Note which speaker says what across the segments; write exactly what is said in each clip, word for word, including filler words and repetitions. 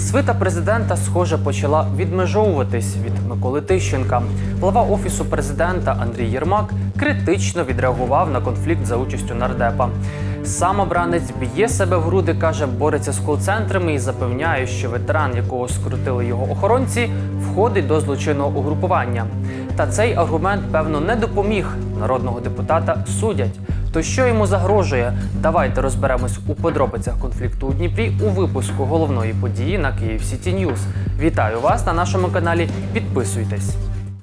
Speaker 1: Свита президента, схоже, почала відмежовуватись від Миколи Тищенка. Глава Офісу президента Андрій Єрмак критично відреагував на конфлікт за участю нардепа. Сам обранець б'є себе в груди, каже, бореться з кол-центрами і запевняє, що ветеран, якого скрутили його охоронці, входить до злочинного угрупування. Та цей аргумент, певно, не допоміг. Народного депутата судять. То що йому загрожує? Давайте розберемось у подробицях конфлікту у Дніпрі у випуску головної події на Київ Сіті Ньюс. Вітаю вас на нашому каналі. Підписуйтесь.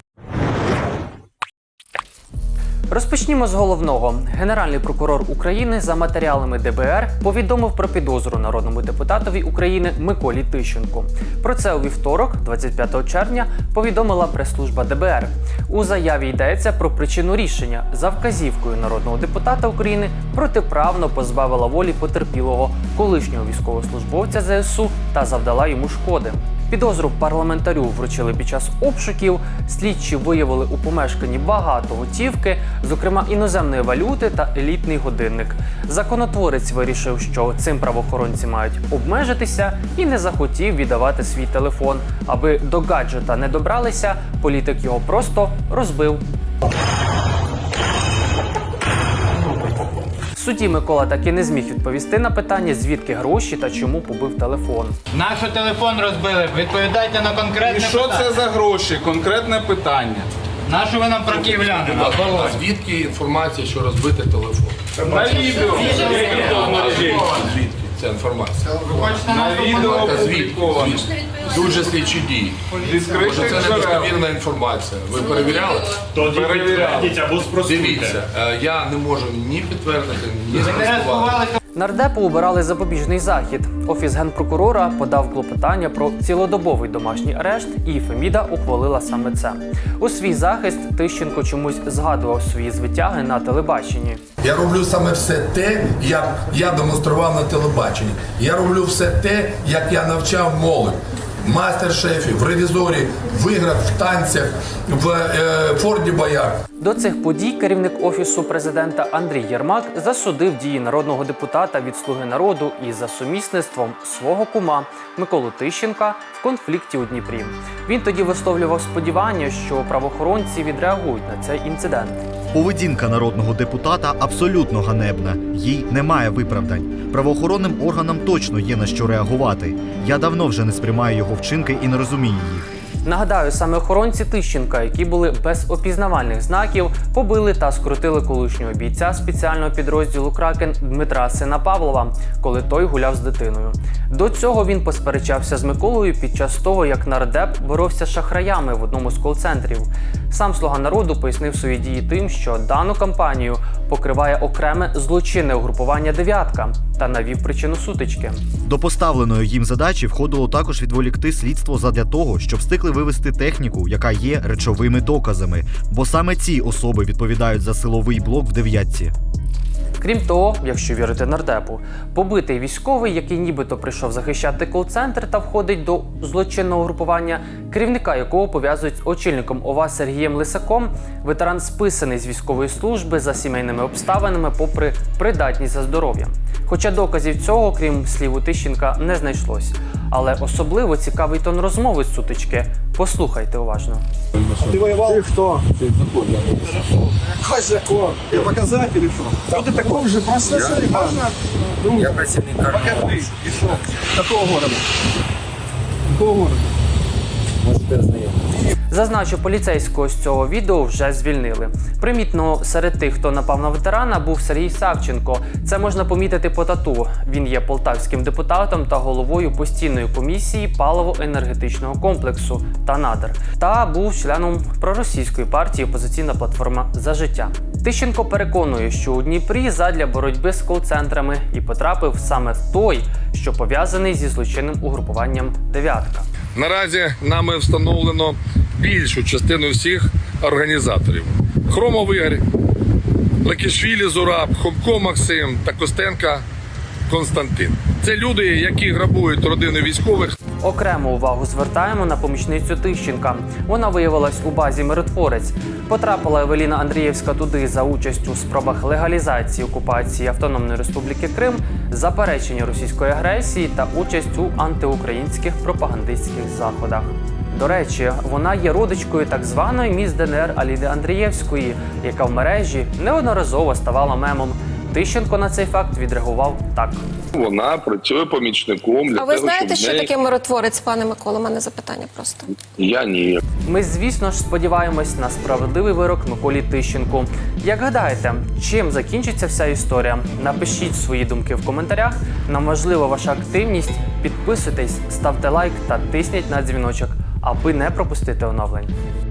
Speaker 1: Розпочнімо з головного. Генеральний прокурор України за матеріалами Д Б Р повідомив про підозру народному депутатові України Миколі Тищенку. Про це у вівторок, двадцять п'ятого червня, повідомила прес-служба Д Б Р. У заяві йдеться про причину рішення. За вказівкою народного депутата України протиправно позбавила волі потерпілого, колишнього військовослужбовця З С У та завдала йому шкоди. Підозру парламентарю вручили під час обшуків. Слідчі виявили у помешканні багато готівки, зокрема іноземної валюти та елітний годинник. Законотворець вирішив, що цим правоохоронці мають обмежитися і не захотів віддавати свій телефон. Аби до гаджета не добралися, політик його просто розбив. Судді Микола таки не зміг відповісти на питання, звідки гроші та чому побив телефон.
Speaker 2: Наш телефон розбили, відповідайте на конкретне
Speaker 3: І що
Speaker 2: питання.
Speaker 3: це за гроші? Конкретне питання.
Speaker 2: Нашу ви нам про київляни?
Speaker 4: А звідки інформація, що розбити телефон?
Speaker 3: На відео.
Speaker 4: Звідки ця інформація?
Speaker 3: На відео опубліковано.
Speaker 4: Дуже слідчі дії.
Speaker 3: Зі
Speaker 4: Може, це
Speaker 3: скритих
Speaker 4: не
Speaker 3: джерел.
Speaker 4: достовірна інформація. Ви перевіряли?
Speaker 5: Тоді підтвердіть або спростуйте.
Speaker 4: Дивіться, е, я не можу ні підтвердити, ні спростувати.
Speaker 1: Нардепу обирали запобіжний захід. Офіс генпрокурора подав клопотання про цілодобовий домашній арешт, і Феміда ухвалила саме це. У свій захист Тищенко чомусь згадував свої звитяги на телебаченні.
Speaker 6: Я роблю саме все те, як я демонстрував на телебаченні. Я роблю все те, як я навчав молодь. Мастер-шефів, в ревізорі, виграв в танцях, в е, Форді Боярд.
Speaker 1: До цих подій керівник Офісу президента Андрій Єрмак засудив дії народного депутата від «Слуги народу» і за сумісництвом свого кума Миколу Тищенка в конфлікті у Дніпрі. Він тоді висловлював сподівання, що правоохоронці відреагують на цей інцидент.
Speaker 7: Поведінка народного депутата абсолютно ганебна. Їй немає виправдань. Правоохоронним органам точно є на що реагувати. Я давно вже не сприймаю його вчинки і не розумію їх.
Speaker 1: Нагадаю, саме охоронці Тищенка, які були без опізнавальних знаків, побили та скрутили колишнього бійця спеціального підрозділу «Кракен» Дмитра сина Павлова, коли той гуляв з дитиною. До цього він посперечався з Миколою під час того, як нардеп боровся з шахраями в одному з кол-центрів. Сам «Слуга народу» пояснив свої дії тим, що дану кампанію покриває окреме злочинне угрупування «Дев'ятка» та навів причину сутички.
Speaker 7: До поставленої їм задачі входило також відволікти слідство задля того, щоб встигли вивести техніку, яка є речовими доказами, бо саме ці особи відповідають за силовий блок в «Дев'ятці».
Speaker 1: Крім того, якщо вірити нардепу, побитий військовий, який нібито прийшов захищати кол-центр та входить до злочинного групування, керівника якого пов'язують з очільником О В А Сергієм Лисаком, ветеран списаний з військової служби за сімейними обставинами попри придатність за здоров'ям. Хоча доказів цього, крім слів у Тищенка, не знайшлось. Але особливо цікавий тон розмови з сутички. Послухайте уважно.
Speaker 8: Ты воевал? Ты кто? Ты такой, я Какой закон? Тебе показать или что? Кто ты такой же? Просто смотри, можно? Я противник Покажи. И что? Какого города? Какого города? Может, ты знаешь.
Speaker 1: Зазначу, поліцейського з цього відео вже звільнили. Примітно, серед тих, хто напав на ветерана, був Сергій Савченко. Це можна помітити по тату. Він є полтавським депутатом та головою постійної комісії паливо-енергетичного комплексу та надр. Та був членом проросійської партії «Опозиційна платформа за життя». Тищенко переконує, що у Дніпрі задля боротьби з кол-центрами і потрапив саме в той, що пов'язаний зі злочинним угрупуванням «Дев'ятка».
Speaker 4: Наразі нами встановлено більшу частину всіх організаторів. Хромов Ігор, Лакішвілі Зураб, Хомко Максим та Костенка
Speaker 6: Константин. Це люди, які грабують родини військових.
Speaker 1: Окрему увагу звертаємо на помічницю Тищенка. Вона виявилась у базі «Миротворець». Потрапила Евеліна Андрієвська туди за участь у спробах легалізації окупації Автономної Республіки Крим, заперечення російської агресії та участь у антиукраїнських пропагандистських заходах. До речі, вона є родичкою так званої міс ДНР Аліни Андрієвської, яка в мережі неодноразово ставала мемом. Тищенко на цей факт відреагував так.
Speaker 9: Вона працює помічником для
Speaker 10: А ви
Speaker 9: того,
Speaker 10: знаєте,
Speaker 9: щоб
Speaker 10: що
Speaker 9: неї...
Speaker 10: таке миротворець, пане Миколо? У мене запитання просто.
Speaker 9: Я ні.
Speaker 1: Ми, звісно ж, сподіваємось на справедливий вирок Миколі Тищенку. Як гадаєте, чим закінчиться вся історія? Напишіть свої думки в коментарях. Нам важлива ваша активність. Підписуйтесь, ставте лайк та тисніть на дзвіночок, аби не пропустити оновлень.